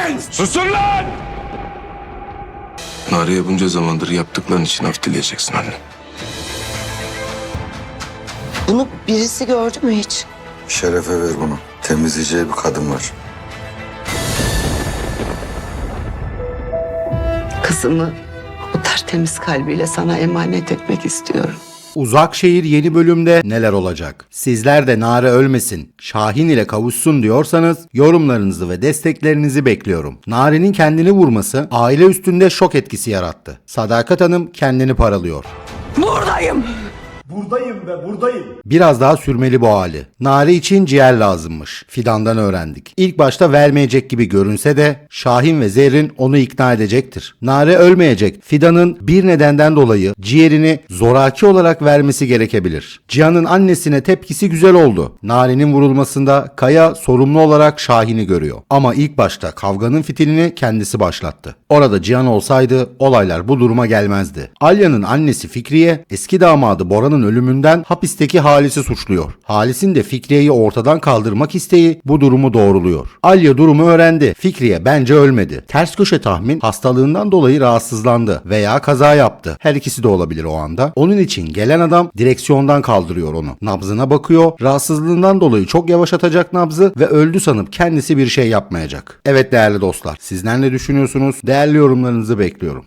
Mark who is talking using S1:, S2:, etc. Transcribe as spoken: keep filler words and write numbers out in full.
S1: Susun lan!
S2: Nare'ye bunca zamandır yaptıkların için af dileyeceksin anne.
S3: Bunu birisi gördü mü hiç?
S4: Şerefe ver bunu. Temizleyeceği bir kadın var.
S3: Kızımı o tertemiz kalbiyle sana emanet etmek istiyorum.
S5: Uzak Şehir yeni bölümde neler olacak? Sizler de Nare ölmesin, Şahin ile kavuşsun diyorsanız yorumlarınızı ve desteklerinizi bekliyorum. Nare'nin kendini vurması aile üstünde şok etkisi yarattı. Sadakat Hanım kendini paralıyor.
S3: Buradayım.
S6: Buradayım ve buradayım.
S5: Biraz daha sürmeli bu hali. Nare için ciğer lazımmış. Fidan'dan öğrendik. İlk başta vermeyecek gibi görünse de Şahin ve Zerrin onu ikna edecektir. Nare ölmeyecek. Fidan'ın bir nedenden dolayı ciğerini zoraki olarak vermesi gerekebilir. Cihan'ın annesine tepkisi güzel oldu. Nare'nin vurulmasında Kaya sorumlu olarak Şahin'i görüyor. Ama ilk başta kavganın fitilini kendisi başlattı. Orada Cihan olsaydı olaylar bu duruma gelmezdi. Alya'nın annesi Fikriye eski damadı Bora'nın ölümünden hapisteki Halis'i suçluyor. Halis'in de Fikriye'yi ortadan kaldırmak isteği bu durumu doğruluyor. Alya durumu öğrendi. Fikriye bence ölmedi. Ters köşe tahmin hastalığından dolayı rahatsızlandı veya kaza yaptı. Her ikisi de olabilir o anda. Onun için gelen adam direksiyondan kaldırıyor onu. Nabzına bakıyor. Rahatsızlığından dolayı çok yavaşlatacak nabzı ve öldü sanıp kendisi bir şey yapmayacak. Evet değerli dostlar, sizler ne düşünüyorsunuz? Değerli yorumlarınızı bekliyorum.